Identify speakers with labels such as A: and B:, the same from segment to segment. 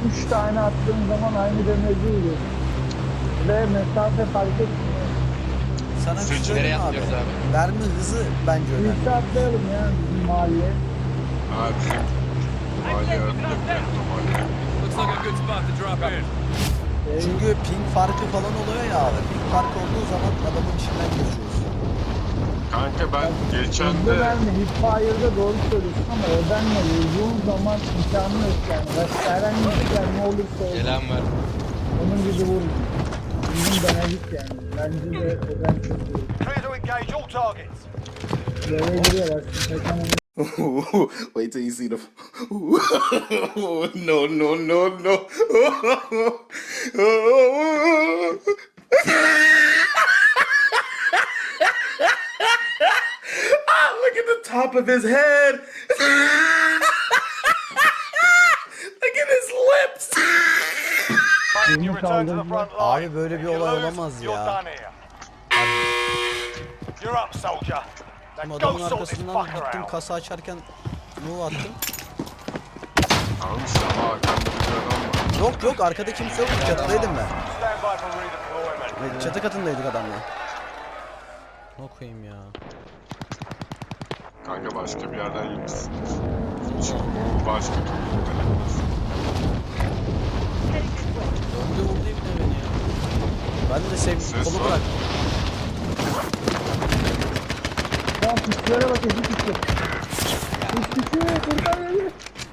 A: 3 tane attığın zaman aynı damage'i vuruyor. Ve mesafe fark etmiyor.
B: Sana bir şey
C: Nereye
B: söyleyeyim abi.
C: atlıyoruz abi?
B: Mermi hızı bence önemli.
A: Birlikte atlayalım ya bizim mahalleye.
D: Ha bizim mahalleye atlayacak mahalleye.
E: Looks like a good spot to drop in.
B: Çünkü ping farkı falan oluyor ya abi. Ping farkı olduğu zaman adamın içinden geçiyoruz.
D: Kanka ben geçen
A: Hızlı
D: de
A: verme, hipfire'da doğru söylüyorsun ama ödenle vurduğun zaman imkanı yok yani. Başka herhangi bir şey ne olursa olsun.
C: Gelen var.
A: Onun gibi vurun. Bizim denedik yani. Bence de öden çok iyi.
F: Clear to engage all targets.
A: Böyle giriyorlar. Kaçamam.
G: Wait till you see the. No, no, no, no. Ah, look at the top of his head. Look at his lips.
F: Mate, you return to the front line.
B: Abi böyle bir
F: If you
B: olay
F: lose,
B: olamaz
F: you're
B: ya.
F: done here. You're up, soldier.
B: Ama
F: Now go
B: adamın
F: sort this
B: arkasından
F: fucker
B: gittim
F: out.
B: kasa açarken move attım.
D: almış ama arkamda bir adam var.
B: Yok yok arkada kimse yok. Çatıdaydım ben.
F: Stand by for redeployment.
B: Çatı katındaydık adamla. Ne koyayım ya.
D: Kanka başka bir yerden yemişsin. Çünkü bu başka türlü denemez.
B: Döndü vurdu ibne beni ya. Ben de
D: Ses
B: kolu
D: var.
B: bıraktım.
A: Tamam pistlere bak ezik pisli. Pisli kurtar beni.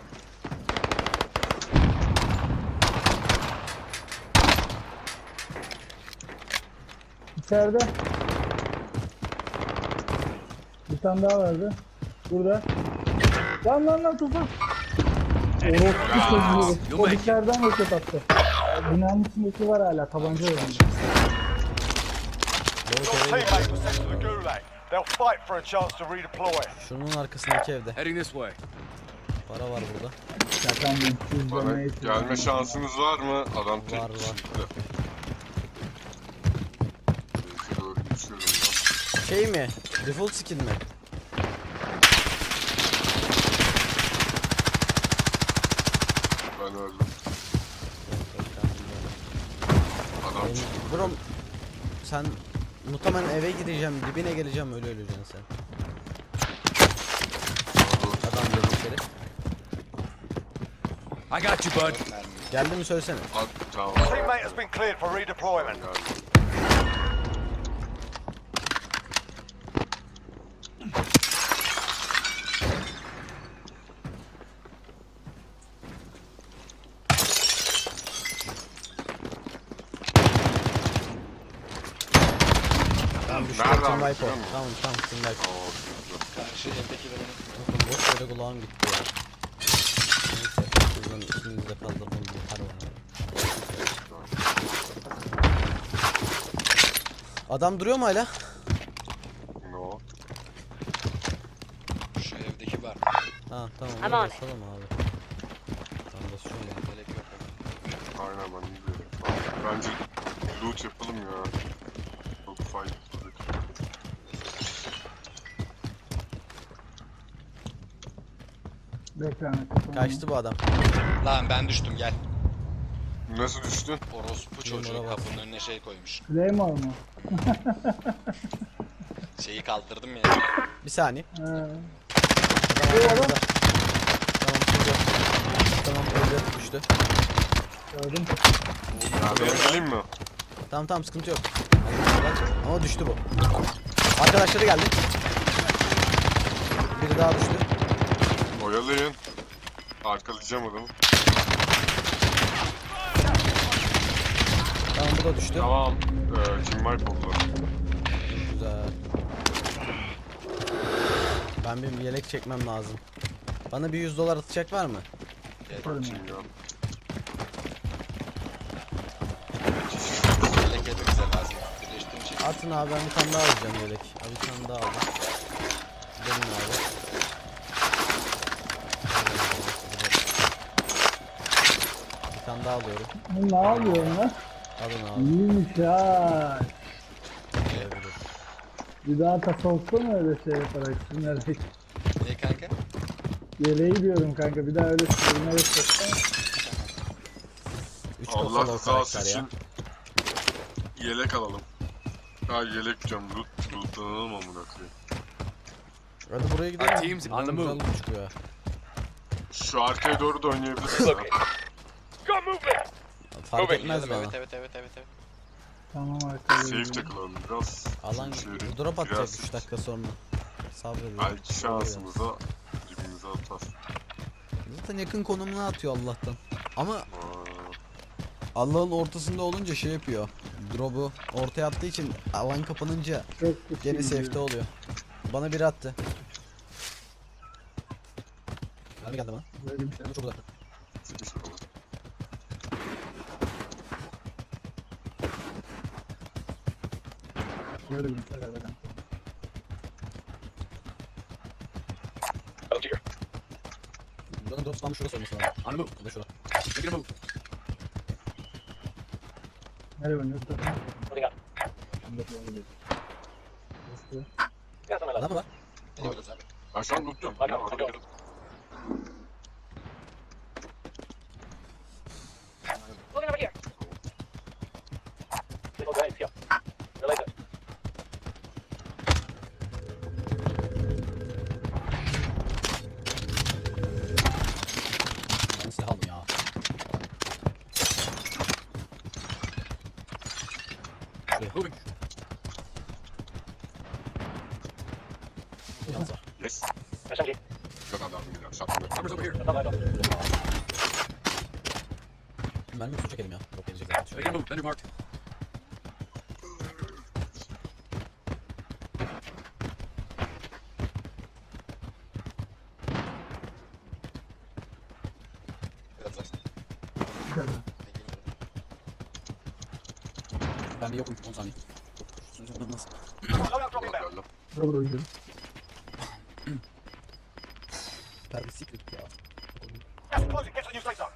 A: İçeride. Bir tane daha vardı. Burada. Lan tuzak. Orospu çocuğu. O dışarıdan roket attı. Binanın içindeki var hala tabanca oynuyor.
F: Your teammate was sent to the gulag. They'll fight for a chance to redeploy.
B: Şunun arkasındaki evde.
E: Heading this way.
B: Para var burada.
A: Şakan bir
D: Bana
A: yüzlemeyi
D: gelme şansınız var mı? Adam tek
B: Var, var.
D: kişiydi. Belki doğru geçiyorum ya.
B: Şey mi? Default skin mi?
D: Ben öldüm. Adam çıktı.
B: Bro sen muhtemelen eve gideceğim, dibine geleceğim öyle öleceksin sen. Adam geldi içeri.
E: I got you, bud.
B: Geldi mi söylesene.
D: At, tamam.
F: Teammate has been cleared for redeployment.
D: Geldim.
B: Tamam düştü.
D: Nereden
B: Team wipe
D: biliyor
B: o.
D: musun?
B: Tamam team wipe.
D: Tamam, güzel.
C: Karşı evdeki de benim.
B: Bakın boş yere kulağım gitti ya. Neyse sizin üstünüzde kaldırdım yeter bana. Adam duruyor mu hala?
D: No.
C: Şu evdeki var.
B: Ha tamam.
H: Aman.
B: Oraya basalım abi. Tamam basıyorum ben.
C: Gerek yok.
D: Aynen ben iyi dedim. Bence loot yapalım ya. Çok faydalı.
A: Bekle.
B: Kaçtı bu adam.
C: Lan ben düştüm gel.
D: Nasıl düştün?
C: Orospu çocuğu
B: oraya bak.
C: kapının önüne şey koymuş.
A: Claymore mu?
C: Şeyi kaldırdım ya.
B: Bir saniye.
A: He.
B: Adam orada. Tamam şimdi. Tamam öldü düştü.
A: Gördüm.
D: Ya ben geleyim mi?
B: Tamam sıkıntı yok. Ama düştü bu. Arkadaşları geldi. Biri daha düştü.
D: Oyalayın. Arkalayacağım adamı.
B: Tamam bu da düştü.
D: Tamam. Team wipe oldu.
B: Güzel. Ben bir yelek çekmem lazım. Bana bir $100 atacak var mı?
D: Bakayım ya.
C: Yelek hepimize lazım. Birleştiğin için.
B: Atın abi ben bir tane daha alacağım yelek. Abi bir tane daha aldım. Benim abi. Bir tane daha alıyorum.
A: Bu ne yapıyorsun lan?
B: Alın abi.
A: İyiymiş ha.
B: Olabilir.
A: Bir daha tasavvufta öyle şey yaparak sürünerek?
C: Ne kanka?
A: Yeleği diyorum kanka bir daha öyle sürünerek yapsana.
B: küçük
D: Allah
B: olsa da o
D: rızası
B: karakter ya.
D: için yelek alalım. Ha yelek diyorum. Lootlanalım amına koyayım.
B: Hadi buraya gidelim.
E: Our team's on the
B: Güzel
E: move.
B: loot çıkıyor.
D: Şu arkaya doğru da oynayabiliriz ha.
F: Go movement.
B: Fark etmez bana.
C: Evet.
A: Tamam arkadaşlar.
D: Safe takılalım biraz.
B: Alan
D: Çünkü
B: drop atacak
D: biraz
B: 3 dakika sonra. Sabredelim.
D: belki şansımıza dibimize atar.
B: Zaten yakın konumuna atıyor Allah'tan. Ama
D: Aa,
B: Allah'ın ortasında olunca şey yapıyor. Drop'u ortaya attığı için alan kapanınca
A: Çok kötü
B: geri
A: gidiyor.
B: safe'te oluyor. Bana biri attı. Abi geldi bana.
A: Böyle bir şey.
B: Çok uzakta.
D: sıkıştı bana.
A: Böyle bir şey. Böyle.
B: Buranın drop spawn'ı şurası olması lazım.
E: On the move.
B: O da şurada.
E: Make it a move.
A: Nereye oynuyorsun?
B: Adam mı var?
C: Gidiyoruz abi.
D: Ben şu an lootluyorum. Ya, orada gidelim.
B: Ben silah aldım ya.
E: Moving.
B: Yalnız var.
D: Yes. Yok adam gidiyor. Şartlı.
E: Armor's over here.
B: Ben bir su çekelim ya. Drop gelecek zaten.
E: Make it a move. Vendor marked.
C: Biraz uzak.
B: Ben bir yokum 10 saniye. Nasıl?
F: Loadout dropping down.
D: Geldim.
A: Böyle oynuyorum.
B: Ben bir secret ya.
F: Gas is closing. Get to the new safe zone.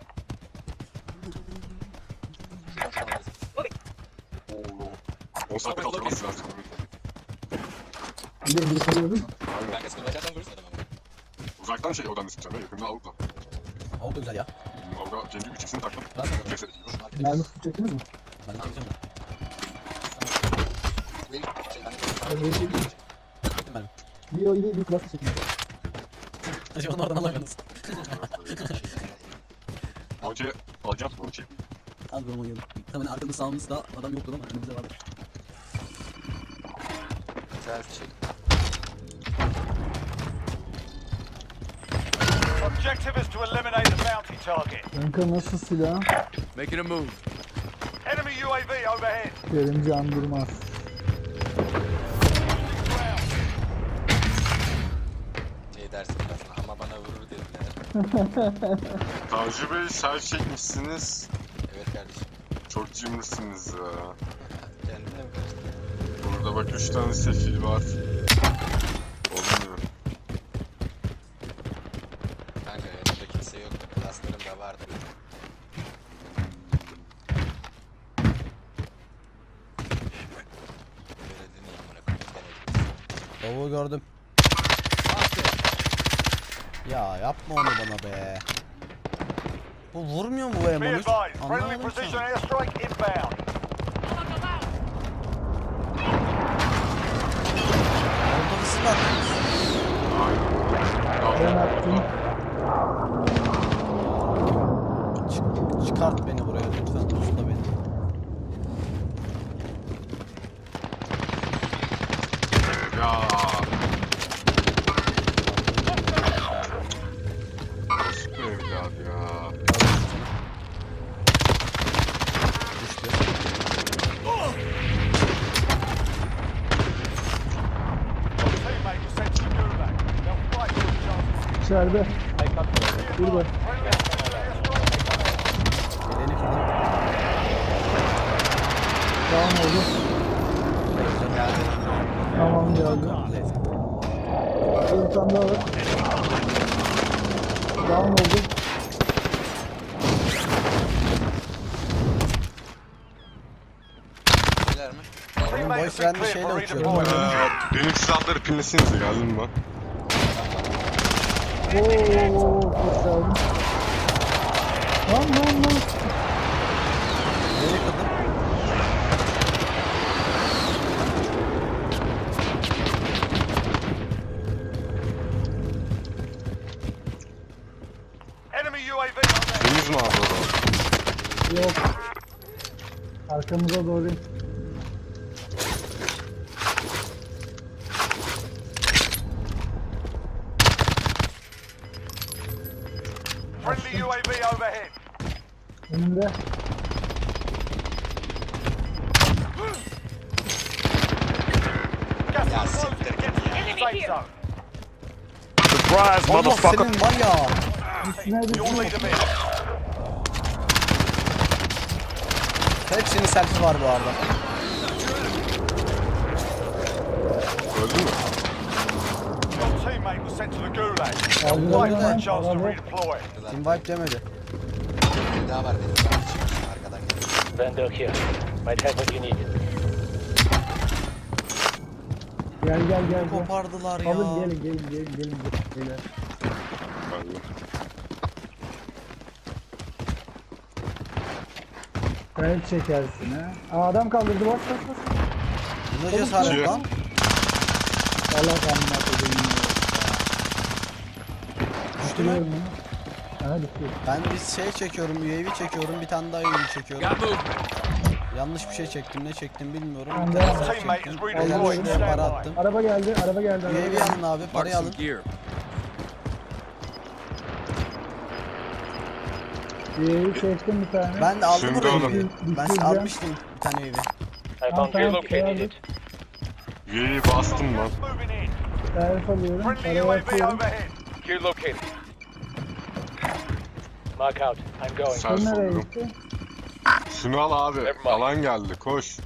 C: Şuradan alırız.
D: Oo. 10 saatte kaldırması lazım.
A: Bir de bir kalıyor değil mi?
C: Ben kesin açarsam görürsün adamı.
D: Uzaktan şey oradan sıkacağım ya. Yakında avukla.
B: Avuk da güzel ya.
D: Avukla kendi 3x'ini taktım.
B: Ben sana da.
D: Ceset ediyor.
A: Mermi tutacağız mı?
B: Ben de çekeceğim de.
C: Benim şeyden
B: Çektim ben.
A: Bir o ile bir klası çekin.
B: Acaba onu oradan alamıyorsunuz.
D: Okey. Alacağım. Okey.
B: Az durum oynadım. Tabii arkamda sağımızda adam yoktur ama önümüzde vardır.
C: güzel bir şey.
F: Objective is to eliminate the bounty target.
A: Kanka nasıl silah?
E: Making a move.
F: Enemy UAV overhead.
A: Kerim Can Durmaz.
C: Şey dersin biraz ama bana vurur dediler.
D: Tavcı Bey sel çekmişsiniz.
C: Evet kardeşim.
D: Çok cimrisiniz ya.
C: Kendine mi karıştırdın?
D: Burada bak 3 tane sefil var. Olmuyor.
C: Kanka yanımda kimse yok. Klaslarım da vardı. Böyle dinleyeyim amına koyayım.
B: Tavuğu gördüm. Ya yapma onu bana be. Bu vurmuyor mu bu
F: Be
B: M13?
F: advised, friendly
B: Anlamadım
F: precision
B: ki.
F: airstrike inbound.
B: Orada bir silah.
A: Ben attım.
B: Çıkart beni buraya lütfen. Tuzla beni.
D: Ya. Nasıl bir evlat ya.
B: Düştü.
F: Your teammate was sent to the gulag. They'll fight for the chances.
A: İçeride. Burada.
F: Friendly airstrike.
B: Geleni falan.
A: Tamam oldu. Tamam geldi. Bir tane daha var. Down oldu.
C: Neler mi?
F: Teammate has been
B: boyfriend'i
F: cleared
B: şeyle
F: for
B: uçuyorum.
F: redeployment.
D: Benim silahları pinlesinize geldin mi?
A: Oo, çok geldim. Lan.
D: Gördünüz mü abi onu?
A: Yok. Arkamıza doğru in.
F: Friendly UAV overhead.
A: Önümde.
F: Gas
C: Ya
F: is closing.
C: siktir
F: Get
C: git
F: to
C: ya.
F: the safe zone.
G: Surprise,
B: Allah
G: motherfucker.
B: senin var ya.
A: Üstüne
F: You'll lead
A: düştüm.
F: them in.
B: Hepsinin selfie var bu arada.
D: Öldü mü?
F: Your teammate was sent to the gulag. They'll
A: Kaldıralım
F: fight for a
A: hemen.
F: chance to
A: Araba.
F: redeploy.
B: Team wipe demedi.
C: Bir daha var benim. Arkadan geliyor.
H: Vendor here. Might have what you need.
A: Gel gel gel. gel.
B: Kopardılar ya.
A: Alın gelin. Beyler.
D: Öldü.
A: Kayıp çekersin ha. Aa, adam kaldırdı bas.
B: Bu ne cesaret
D: Şey-
B: lan?
A: Allah kanına koyayım.
B: Düştü mü?
A: Düşürüyorum onu. Aha düştü.
B: Ben bir şey çekiyorum, UAV çekiyorum, bir tane daha UAV çekiyorum.
E: Got movement.
B: Yanlış bir şey çektim, ne çektim bilmiyorum.
A: Ben
B: Bir
A: de-
B: tane
F: Your
B: daha
F: teammate is
B: çektim.
F: redeployed.
B: Beyler
F: Stand
B: şuraya para
F: by.
B: attım.
A: Araba geldi. Araba geldi.
B: UAV alın abi,
E: Mark
B: parayı
E: some
B: alın.
E: gear.
A: UAV çektim bir tane.
B: Ben de aldım
D: Şimdi
B: orayı.
D: alın.
B: Ben
A: Düşüreceğim.
B: almıştım bir tane UAV.
H: I
A: Tamam,
H: found
A: tamam,
H: relocated it.
D: Üyeyi bastım lan.
F: Moving in.
A: Servis alıyorum.
F: Friendly
A: Parayı
F: UAV
A: atıyorum.
F: overhead.
H: Gear located. Mark out. I'm going.
D: Sen
A: Bu nereye
D: soldum.
A: gitti?
D: Şunu al abi.
H: Never mind.
D: Alan geldi. Koş.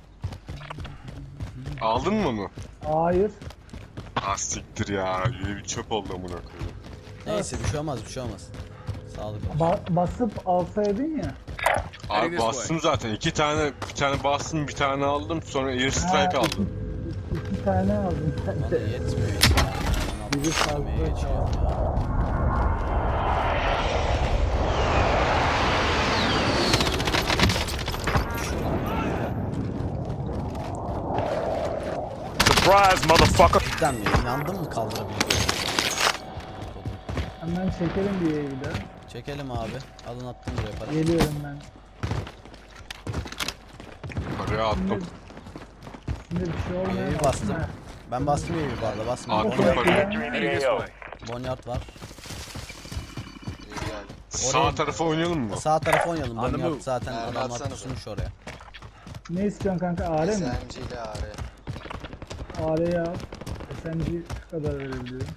D: Aldın mı onu?
A: Hayır.
D: Ah siktir ya. Üyeyi çöp oldu amına koyayım.
B: Neyse bir şey olmaz, bir şey olmaz. Sağlık olsun.
A: Basıp alsaydın ya.
D: Abi bastım zaten. Bir tane bastım, bir tane aldım. Sonra air strike
A: Ha,
D: aldım.
A: İki tane aldım ben
B: Bana
A: de.
B: yetmiyor ya.
A: Biri fazla
B: geçiyor ya.
G: Surprise, motherfucker.
B: Cidden mi? İnandın mı kaldırabileceğine?
A: Hemen çekelim bir yeri daha.
B: Çekelim abi. Alın attım buraya para.
A: Geliyorum ben.
D: Paraya attım.
A: Şimdi bir şey olmuyor.
B: UAV bastım. Ben bastım UAV bu arada, basmıyorum.
D: Attım parayı.
E: Heading this way.
B: Bonyard var.
C: İyi geldi.
D: Sağ tarafa oynayalım mı?
B: Sağ tarafa oynayalım.
E: On the
B: Bonyard
E: move.
B: zaten
C: Ha,
B: adamlar
C: atsanıza.
B: pusmuş oraya.
A: Ne istiyorsun kanka? AR mi?
C: SMG ile AR.
A: AR'yi al. SMG şu kadar verebiliyorum.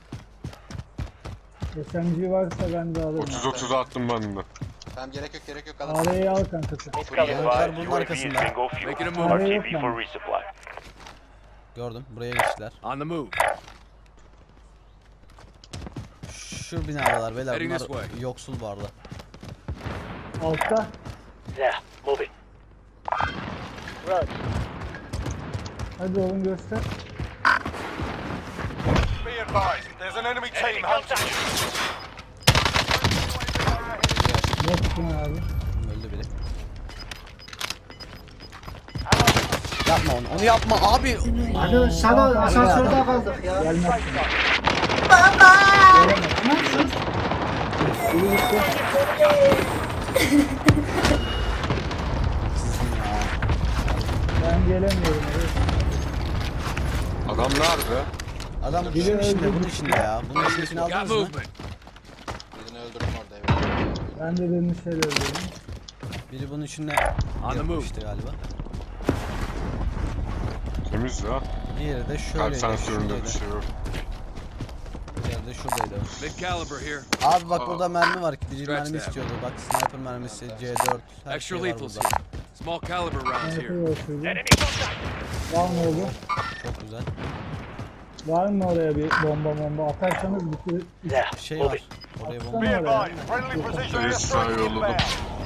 A: SMG varsa ben de alırım.
D: 30-30'a attım ben de.
C: Tamam gerek yok alın.
A: AR'yi al kankası.
B: Bonyard bunun arkasında.
E: Making a move.
A: AR yok bende.
H: resupply.
B: Gördüm. Buraya geçtiler.
E: On the move.
B: Şu binadalar beyler.
E: Heading this
B: Bunlar
E: way.
B: yoksul bu arada.
A: Altta.
H: Yeah, moving. Run.
A: Hadi oğlum göster.
F: Be advised, there's an enemy team hunting you.
A: Botsun abi.
B: Öldü biri. Yapma onu. Onu yapma abi.
I: Hadi sana asansörde kaldık ya.
A: Gelmezsin. Biri gitti. Ben gelemiyorum. Evet.
D: Adam nerede?
B: Adam
A: Biri
B: bunun içinde,
A: öldü.
B: bunun içinde ya. Bunun içindekini
E: Got
B: aldınız mı?
E: movement.
C: Birini öldürdüm orada evet.
A: Ben de demin şey öldürdüm.
B: Biri bunun içinde
E: On the move.
B: yapmıştı galiba.
D: Temiz ya.
B: Diğeri de
D: Kalp
B: şöyleydi.
D: sensöründe
B: Şuradaydı.
D: bir şey yok.
B: Diğeri de şuradaydı.
E: Mid caliber here.
B: Abi bak burada mermi var. Biri
E: Stretch
B: mermi
E: that.
B: istiyordu. Bak sniper mermisi, C4. Her
E: Extra
B: şey var
E: lethals
B: burada.
E: here. Small caliber rounds
A: Ben
E: here.
A: yapıyorum. Var mı oğlum?
B: Çok güzel.
A: Var mı oraya bir bomba atarsanız bitir.
H: Yeah,
B: Bir şey
H: moving.
B: var. Oraya bomba.
F: Be advised, friendly precision
D: Air strike
F: airstrike
D: yolladım.
F: inbound.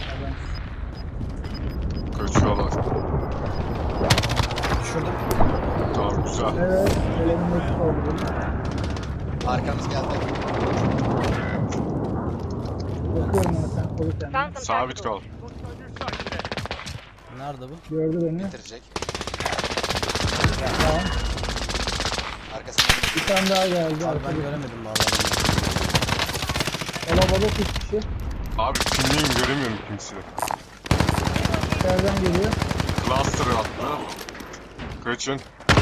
D: Kaçıyorlar.
B: Düşürdüm.
D: Tamam güzel.
A: Evet, elimdeki oldu.
C: Arkamız geldi.
A: Bakıyorum ona sen koru kendini.
D: Sabit kal.
B: Nerede bu?
A: Gördü beni.
C: Bitirecek.
A: Tamam.
C: Arkasından
A: Bir tane daha geldi.
B: Abi ben
A: Arkada.
B: göremedim bu adamı.
A: Kalabalık 3 kişi.
D: Abi kimliğim göremiyorum kimseyi.
A: İçeriden geliyor.
D: Cluster attı. Kaçın.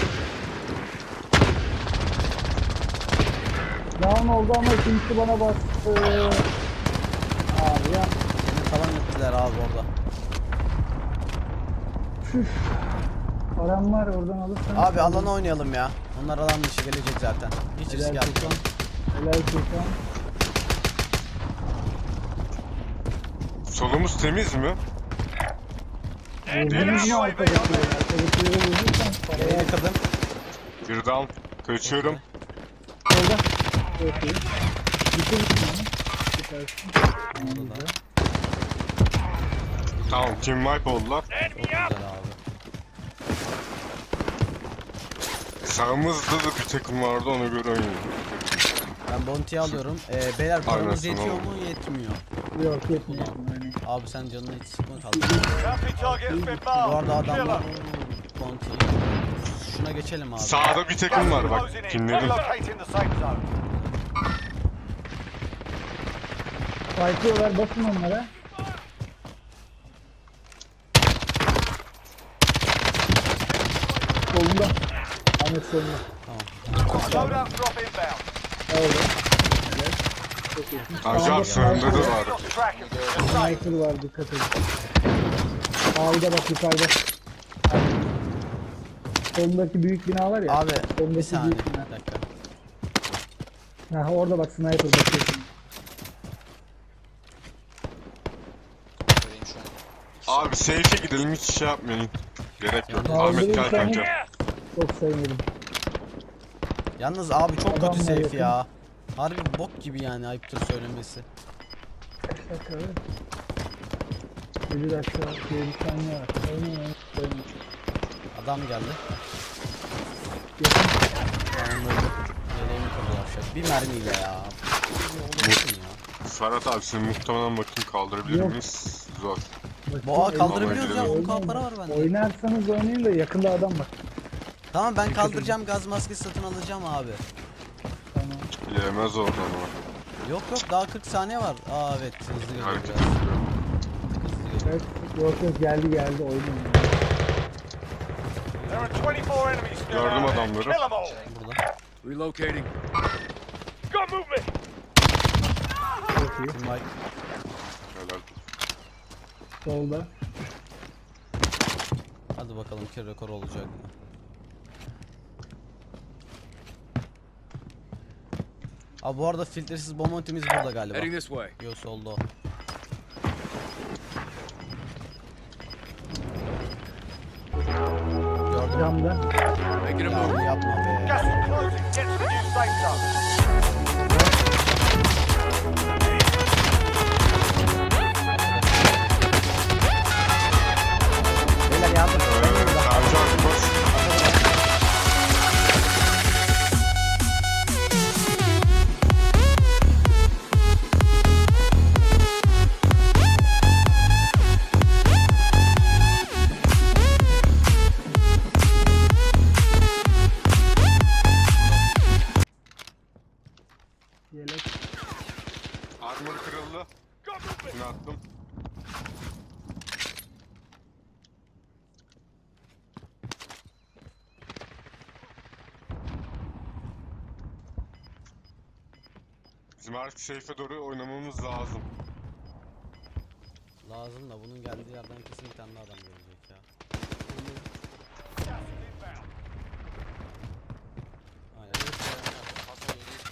A: Down oldu ama ikincisi bana bastı. Abi ya.
B: Beni falan ettiler abi orada.
A: Param var oradan alırsan.
B: Abi alana oynayalım ya. Onlar alan dışı gelecek zaten. Hiç risk
A: Helal
B: yapmayalım.
A: Furkan. Helal Furkan.
D: Solumuz temiz mi?
A: Vurdunuz mu arkadakileri? Arkadakileri vurduysan paraya
B: Yayını kırdım.
D: Bir down. Kaçıyorum.
A: solda. Çok iyi. Bitirmişsin onu. Süpersin.
B: Orada da.
D: Tamam, team wipe oldular.
B: Çok güzel abi.
D: Sağımızda da bir takım vardı, ona göre oynayalım.
B: Ben bounty'yi alıyorum. Beyler paramız
D: Aynen,
B: yetiyor
D: tamam.
B: mu? Yetmiyor.
A: Yok yetmiyor. Yani.
B: Abi sen canına hiç sıkma kaldı.
F: Bounty target has been
B: Bu arada
F: marked.
B: adamlar
F: Killer.
B: bounty. Şuna geçelim abi.
D: Sağda bir takım var bak,
F: Closing in.
D: pinledim.
F: Relocating the safe zone.
A: Fightlıyorlar basın onlara. Solunda. Ahmet solunda.
F: Loadout drop inbound.
A: Orada. Evet. Çok iyisin.
D: Acar sağında da var.
F: Got trackers. You're safe.
A: Sniper var dikkat edin. Sağda bak yukarıda. Solundaki büyük bina var ya.
B: Abi bir
A: Solundaki
B: saniye.
A: büyük bina.
B: Bir dakika.
A: Ha, orada bak sniper bakıyorsun.
C: Göreyim şu an.
D: Abi safe'e gidelim, hiç şey yapmayın. Gerek yok.
B: Yani
D: Ahmet gel
A: öldürürsen-
D: kanka.
A: Çok sevmedim.
B: Yalnız abi çok
A: Adam
B: kötü
A: var
B: safe
A: yakın.
B: ya. Harbi bok gibi yani, ayıptır söylemesi.
A: Kaç dakika öyle? 7 dakika. 7 saniye var. Oynayın.
B: Adam geldi.
A: Yakın.
B: Tamam öldü. Yeleğimi kırdılar şöyle. Bir mermiyle ya. Olursun ya.
D: Ferhat abi seni muhtemelen bakayım kaldırabilir
A: Yok.
D: miyiz? Zor.
B: Boğa kaldırabiliyoruz ya.
D: Oynayın.
B: 10k para var bende.
A: Oynarsanız oynayın da yakında adam var.
B: Tamam ben kaldıracağım, gaz maskesi satın alacağım abi.
A: Tamam.
D: Yemez oradan o.
B: Yok yok, daha 40 saniye var. Aa evet, hızlı geliyor
D: Hareket
B: biraz.
D: ediyor.
B: Hızlı geliyor.
A: Evet. Yok geldi oynayın.
F: There are 24 enemies still
D: Gördüm
F: out there.
D: adamları.
F: Kill them all.
B: Burada.
E: Relocating.
F: Got movement.
A: Çok iyi.
B: Team Mike.
D: Helal.
A: Solda.
B: Hadi bakalım ki rekor olacak mı? Abi bu arada filtresiz bomba ultimiz burada galiba.
E: Heading this way.
B: Yo solda o. Gördüm.
A: Camda.
E: Making a
B: Ya
E: move.
B: yapma be.
F: Gas is closing. Get to the new safe zone.
B: Beyler yardım.
D: Acar koş.
A: Yelek.
D: Armor kırıldı. Şunu attım. Bizim artık safe'e doğru oynamamız lazım.
B: Lazım da bunun geldiği yerden kesin bir tane daha adam gelecek ya. Aynen.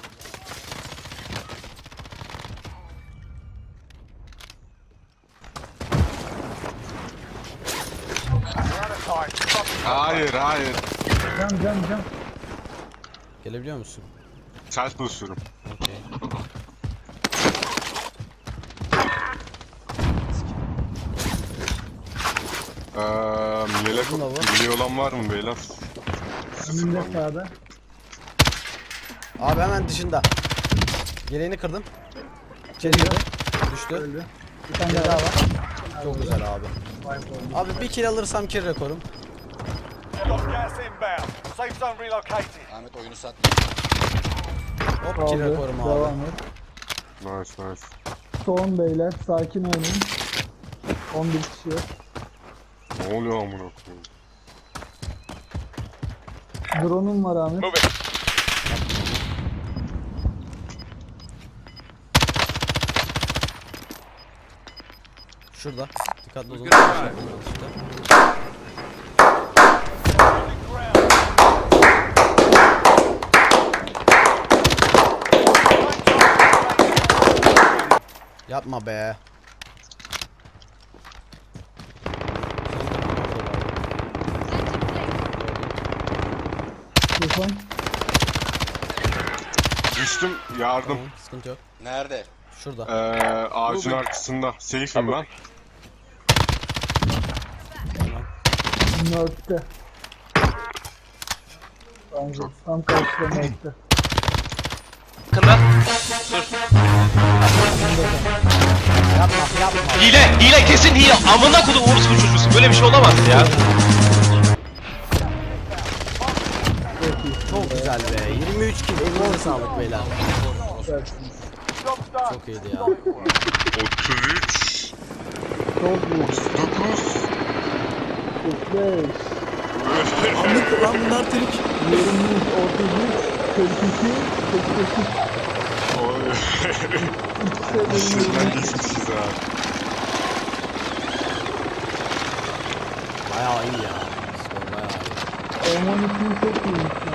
F: We're out of time. Stop it.
D: Hayır hayır.
A: Cam.
B: Gelebiliyor musun?
D: Ters basıyorum.
B: Okey.
D: Yelek
B: Uzun hava.
D: biliyor olan var mı beyler?
A: Önünde sağda.
B: Abi hemen dışında. Yeleğini kırdım. İçeri girdi. Düştü.
A: Öldü. Bir tane
B: Bir
A: daha
B: daha
A: var.
B: var. Çok güzel abi.
A: Wipe oldu.
B: Abi bir kill alırsam kill rekorum.
F: Got gas inbound. Safe zone relocated.
C: Ahmet oyunu sat.
B: Hop kill
A: Aldı.
B: rekorum abi.
A: Devam et.
D: Nice nice.
A: Artı 10 beyler. Sakin oynayın. 11 kişi.
D: Ne oluyor amına koyayım?
A: Drone'um var Ahmet.
H: Moving.
B: Şurada. Dikkatli olun.
E: Good try.
B: Yapma be.
A: Tufan.
D: Düştüm, yardım.
B: Tamam, sıkıntı yok.
C: Nerede?
B: Şurada.
D: Ağacın arkasında. Safe'im ben.
A: North'te. Bence tam karşıda North'te.
J: Hile kesin hile. Amına kodum orospu çocuğusun. Böyle bir şey olamaz ya.
B: Çok güzel be. 23 kill. Elinize sağlık beyler.
A: Dersiniz.
B: Çok iyiydi ya.
D: 33.
A: Çok iyi.
D: 39.
A: 45.
B: Anlık lan bunlar Türk.
A: 23, 33, 42, 48.
D: Oy.
A: İkisi de
D: Sizden geçmişiz ha.
B: Bayağı iyi ya. Skor bayağı iyi.
A: M12'yi çok iyiymiş